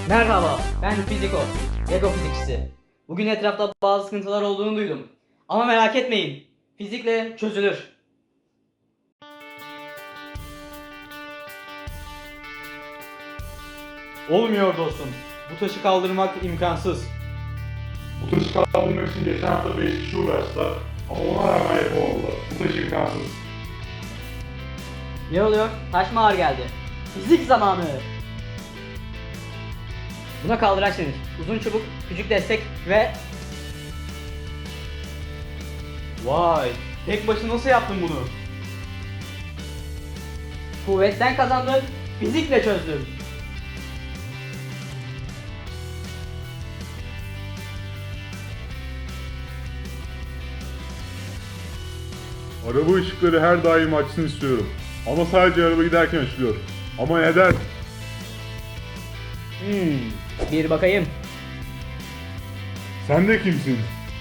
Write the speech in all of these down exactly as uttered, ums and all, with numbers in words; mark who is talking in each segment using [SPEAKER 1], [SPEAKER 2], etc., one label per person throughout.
[SPEAKER 1] Merhaba, ben Fiziko, Lego fizikçisi. Bugün etrafta bazı sıkıntılar olduğunu duydum. Ama merak etmeyin, fizikle çözülür.
[SPEAKER 2] Olmuyor dostum. Bu taşı kaldırmak imkansız.
[SPEAKER 3] Bu taşı kaldırmak için geçen hafta beş kişi uğraştılar ama ona rağmen yapamadılar. Bu taş imkansız.
[SPEAKER 1] Ne oluyor? Taş mı ağır geldi? Fizik zamanı! Buna kaldıraç denir. Uzun çubuk, küçük destek ve...
[SPEAKER 2] Vay, tek başına nasıl yaptın bunu?
[SPEAKER 1] Kuvvetten kazandım, fizikle çözdüm.
[SPEAKER 3] Araba ışıkları her daim açsın istiyorum. Ama sadece araba giderken açılıyor. Ama neden?
[SPEAKER 1] Hmm, bir bakayım.
[SPEAKER 3] Sen de kimsin?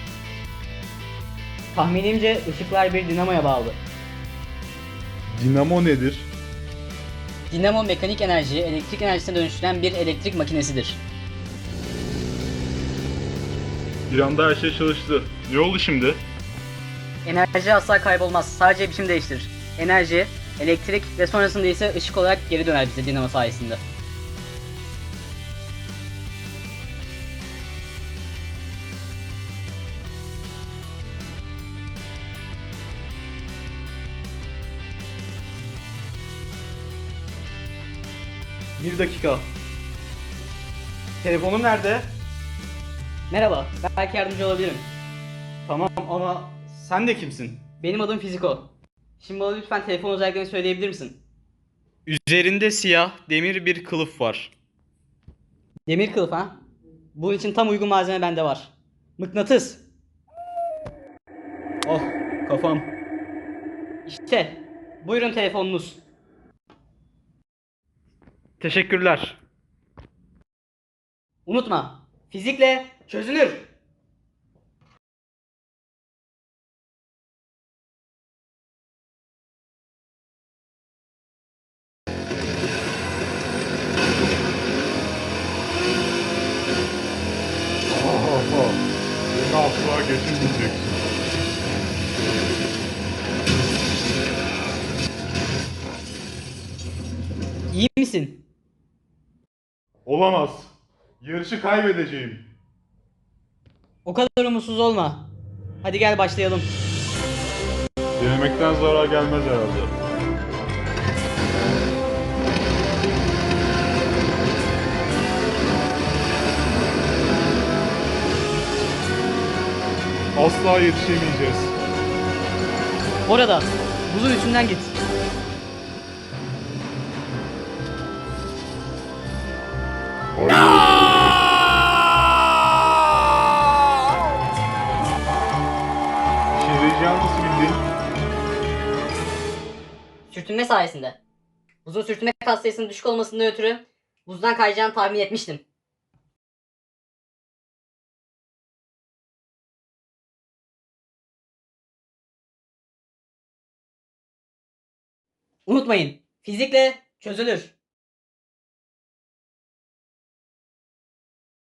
[SPEAKER 1] Tahminimce ışıklar bir dinamoya bağlı.
[SPEAKER 3] Dinamo nedir?
[SPEAKER 1] Dinamo mekanik enerjiyi elektrik enerjisine dönüştüren bir elektrik makinesidir.
[SPEAKER 3] Bir anda her şey çalıştı. Ne oldu şimdi?
[SPEAKER 1] Enerji asla kaybolmaz. Sadece biçim değiştirir. Enerji, elektrik ve sonrasında ise ışık olarak geri döner bize dinamo sayesinde.
[SPEAKER 2] Bir dakika. Telefonum nerede?
[SPEAKER 1] Merhaba, belki yardımcı olabilirim.
[SPEAKER 2] Tamam ama sen de kimsin?
[SPEAKER 1] Benim adım Fiziko. Şimdi bana lütfen telefon özelliklerini söyleyebilir misin?
[SPEAKER 2] Üzerinde siyah demir bir kılıf var.
[SPEAKER 1] Demir kılıf ha? Bunun için tam uygun malzeme bende var. Mıknatıs.
[SPEAKER 2] Oh, kafam.
[SPEAKER 1] İşte, buyurun telefonunuz.
[SPEAKER 2] Teşekkürler.
[SPEAKER 1] Unutma, fizikle çözülür.
[SPEAKER 3] Ha ha ha. Beni asla geçirmeyeceksin.
[SPEAKER 1] İyi misin?
[SPEAKER 3] Olamaz. Yarışı kaybedeceğim.
[SPEAKER 1] O kadar umutsuz olma. Hadi gel başlayalım.
[SPEAKER 3] Denemekten zarar gelmez herhalde. Asla yetişemeyeceğiz.
[SPEAKER 1] Orada, buzun üstünden git.
[SPEAKER 3] İşe yarayacağını nasıl bildin?
[SPEAKER 1] Sürtünme sayesinde. Buzun sürtünme katsayısının düşük olmasından ötürü buzdan kayacağını tahmin etmiştim. Unutmayın, fizikle çözülür.